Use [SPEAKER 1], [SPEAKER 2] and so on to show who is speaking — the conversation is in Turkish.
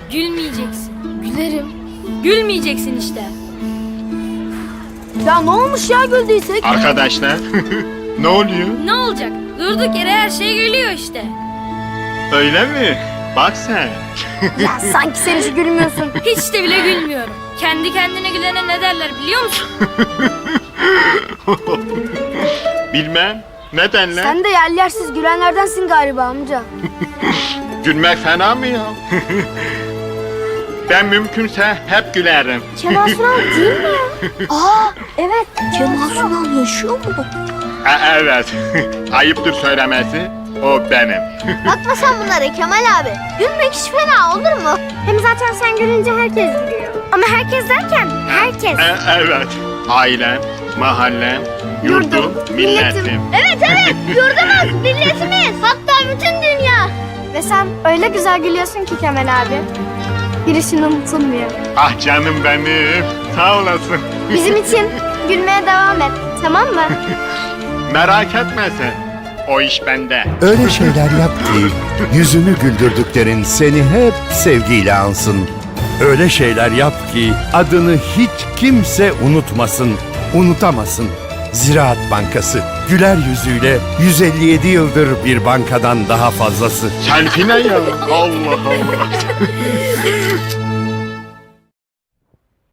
[SPEAKER 1] Gülmeyeceksin.
[SPEAKER 2] Gülerim.
[SPEAKER 1] Gülmeyeceksin işte.
[SPEAKER 2] Ya ne olmuş ya güldüysek?
[SPEAKER 3] Arkadaşlar ne oluyor?
[SPEAKER 1] Ne olacak? Durduk yere her şey gülüyor işte.
[SPEAKER 3] Öyle mi? Bak sen.
[SPEAKER 2] Ya sanki sen hiç gülmüyorsun.
[SPEAKER 1] Hiç de bile gülmüyorum. Kendi kendine gülene ne derler biliyor musun?
[SPEAKER 3] Bilmem. Nedenle?
[SPEAKER 2] Sen de yersiz gülenlerdensin galiba amca.
[SPEAKER 3] Gülmek fena mı ya? Ben mümkünse hep gülerim.
[SPEAKER 2] Kemal Sunal değil mi ya? Aa evet. Kemal Sunal yaşıyor mu?
[SPEAKER 3] Evet. Ayıptır söylemesi. O benim.
[SPEAKER 4] Bakma sen bunlara Kemal abi. Gülmek hiç fena olur mu? Hem zaten sen gülünce herkes gülüyor. Ama herkes derken herkes.
[SPEAKER 3] Evet. Ailem, mahallem, yurdum, milletim.
[SPEAKER 4] Evet yurdumuz, milletimiz. Hatta bütün dünya. Ve sen öyle güzel gülüyorsun ki Kemal abi. Girişin unutulmuyor.
[SPEAKER 3] Ah canım benim. Sağ olasın.
[SPEAKER 4] Bizim için gülmeye devam et. Tamam mı?
[SPEAKER 3] Merak etme sen. O iş bende.
[SPEAKER 5] Öyle şeyler yap ki yüzünü güldürdüklerin seni hep sevgiyle ansın. Öyle şeyler yap ki adını hiç kimse unutmasın, unutamasın. Ziraat Bankası güler yüzüyle 157 yıldır bir bankadan daha fazlası.
[SPEAKER 3] Selfie ne ya? Allah Allah.